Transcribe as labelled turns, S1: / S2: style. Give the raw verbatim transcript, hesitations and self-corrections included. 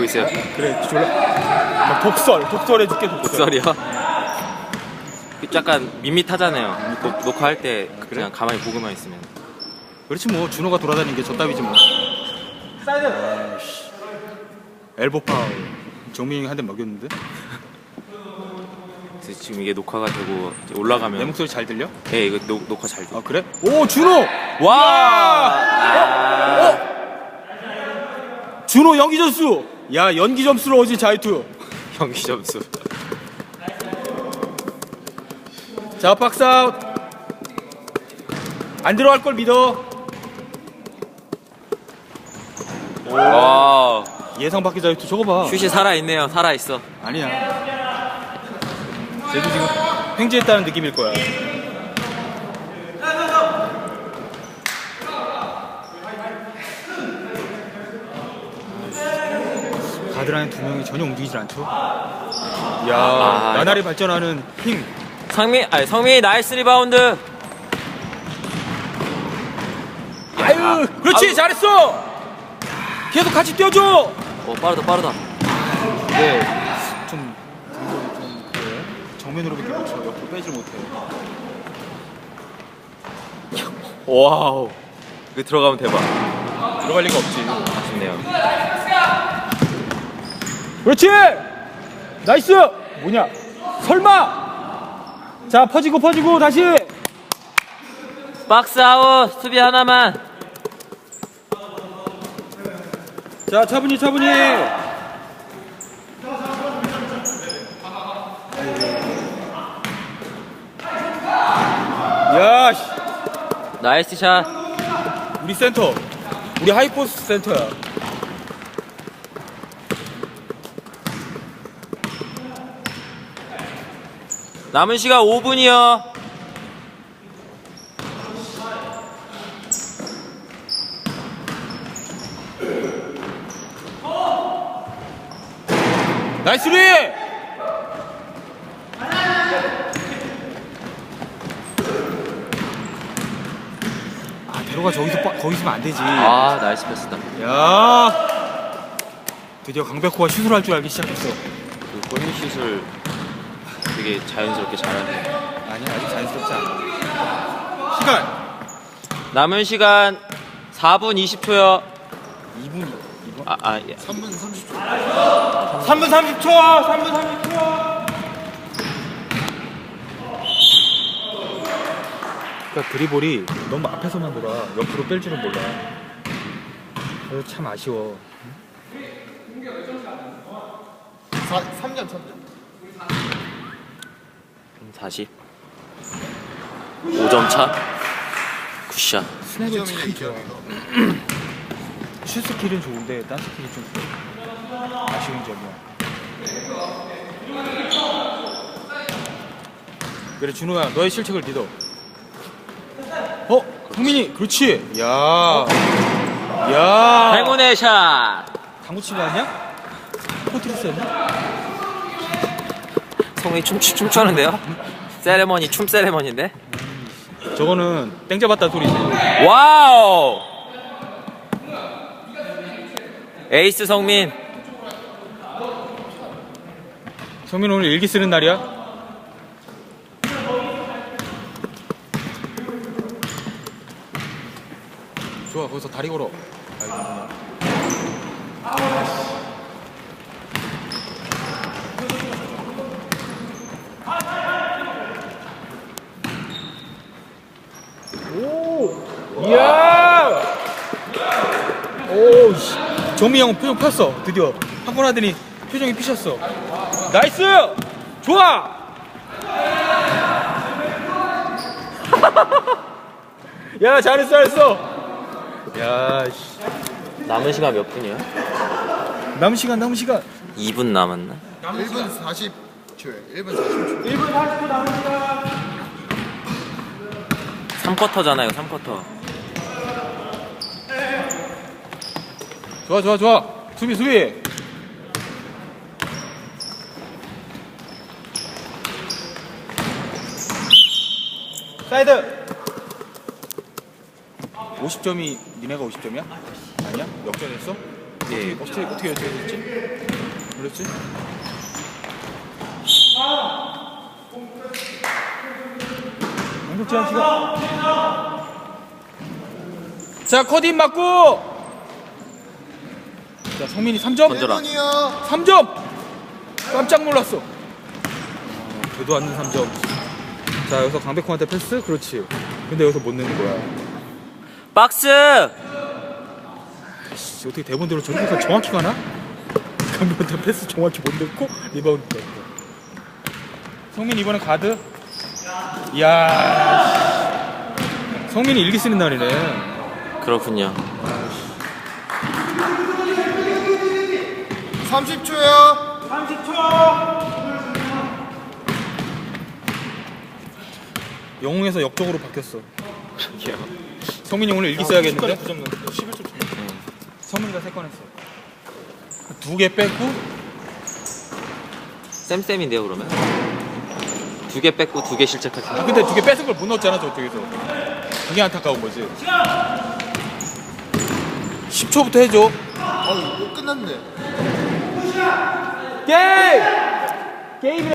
S1: 있어요.
S2: 그래 졸라 막 독설 독설 해줄게 독설.
S1: 독설이요? 약간 밋밋하잖아요. 녹, 녹화할 때 그냥 가만히 보고만 있으면.
S2: 그렇지 뭐 준호가 돌아다니는 게 저 따위지 뭐. 사이드. 엘보 파울. 정민이 한 대 먹였는데.
S1: 지금 이게 녹화가 되고 이제 올라가면
S2: 내 목소리 잘 들려?
S1: 네, 이거 녹, 녹화 잘 돼.
S2: 아 그래? 오 준호!
S1: 와!
S2: 아. 어? 어? 준호 연기 점수! 야 연기 점수로 어지 자유투.
S1: 경기 점수.
S2: 자 박스아웃. 안 들어갈 걸 믿어.
S1: 와.
S2: 예상 밖의 자유투 저거 봐.
S1: 슛이 살아있네요. 살아있어.
S2: 아니야. 쟤도 지금 횡재했다는 느낌일 거야. 가드 안에 두 명이 전혀 움직이질 않죠. 이야,
S1: 아,
S2: 나날이 발전하는 힘.
S1: 상민, 아니 성민이 나이스 리바운드.
S2: 아유, 그렇지,
S1: 아우.
S2: 잘했어. 계속 같이 뛰어줘.
S1: 어 빠르다 빠르다.
S2: 네, 좀 등골이 좀 그래. 정면으로밖에 못 쳐. 옆으로 빼질 못해.
S1: 와우. 이거 들어가면 대박.
S2: 들어갈 리가 없지.
S1: 아쉽네요.
S2: 그렇지. 나이스. 뭐냐? 설마. 자, 퍼지고 퍼지고 다시.
S1: 박스 아웃. 수비 하나만.
S2: 자, 차분히 차분히. 야, 씨.
S1: 나이스 샷.
S2: 우리 센터. 우리 하이포스 센터야.
S1: 남은 시간 오 분이요.
S2: 나이스 리! 아, 대로가 저기서 빠, 거기 있으면 안 되지.
S1: 아 나이스 패스다.
S2: 야, 드디어 강백호가 슛을 할 줄 알기 시작했어.
S1: 그 골밑슛을 되게 자연스럽게 잘하네.
S2: 아니야, 아직 자연스럽지 않아. 시간
S1: 남은 시간 사 분 이십 초요.
S2: 이 분, 이 분?
S1: 아, 아 예.
S2: 삼 분 삼십 초. 삼 분 삼십 초. 삼 분 삼십 초. 그러니까 드리볼이 너무 앞에서만 돌아. 옆으로 뺄 줄은 몰라. 그래서 참 아쉬워. 삼 점, 삼 점.
S1: 사십. 오 점 차. 굿샷.
S2: 스냅은 참 좋아. 슛 스킬은 좋은데 딴 스킬이 좀 아쉬운 점이야. 그래 준호야, 너의 실책을 믿어. 어? 성민이 그렇지. 야, 야.
S1: 행운의 샷.
S2: 당구 치고 왔냐? 포트리스였냐?
S1: 성민이 춤, 춤추는데요? 세레머니, 춤 세레머니인데?
S2: 저거는 땡 잡았다 소리지.
S1: 와우! 에이스 성민.
S2: 성민 오늘 일기 쓰는 날이야? 좋아, 거기서 다리 걸어. 오! 이야! 오, 씨. 정미 형 표정 폈어. 드디어 한 번 하더니 표정이 피셨어. 나이스! 좋아! 야, 잘했어, 잘했어. 야, 씨.
S1: 남은 시간 몇 분이야?
S2: 남은 시간, 남은 시간.
S1: 이 분 남았나?
S3: 일 분 사십 초에 일 분 사십 초.
S2: 일 분 사십 초 남은 시간.
S1: 삼 쿼터잖아요, 삼 쿼터.
S2: 좋아, 좋아, 좋아. 수비, 수비. 사이드. 오십 점이 니네가 오십 점이야? 아니야? 역전했어?
S1: 예.
S2: 어떻게 어떻게 어떻게 됐지? 그랬지? 공격 제한 시간. 자, 커딘 맞고. 자, 성민이 삼 점.
S1: 던져라.
S3: 일 분이요.
S2: 삼 점. 깜짝 놀랐어. 어, 되도 않는 삼 점. 자, 여기서 강백호한테 패스. 그렇지. 근데 여기서 못 넣는 거야.
S1: 박스!
S2: 씨, 어떻게 대본대로 저렇게 정확히 가나? 강백호한테 패스 정확히 못 넣고 리바운드 뺐고. 성민 이번에 가드. 이야. 씨. 성민이 일기 쓰는 날이네.
S1: 그렇군요.
S3: 삼십 초요.
S2: 영웅에서 역적으로 바뀌었어. 성민이 오늘 일기 써야겠는데? 성민이가 세 건 했어. 두 개 뺐고
S1: 쌤쌤인데요 그러면? 두 개 뺐고 두 개 실책할
S2: 아,
S1: 때.
S2: 근데 두 개 뺏은 걸 못 넣었잖아 저쪽에서. 그게 안타까운 거지. 십 초부터 해줘.
S3: 어, 이거 끝났네.
S2: 게임! 게임이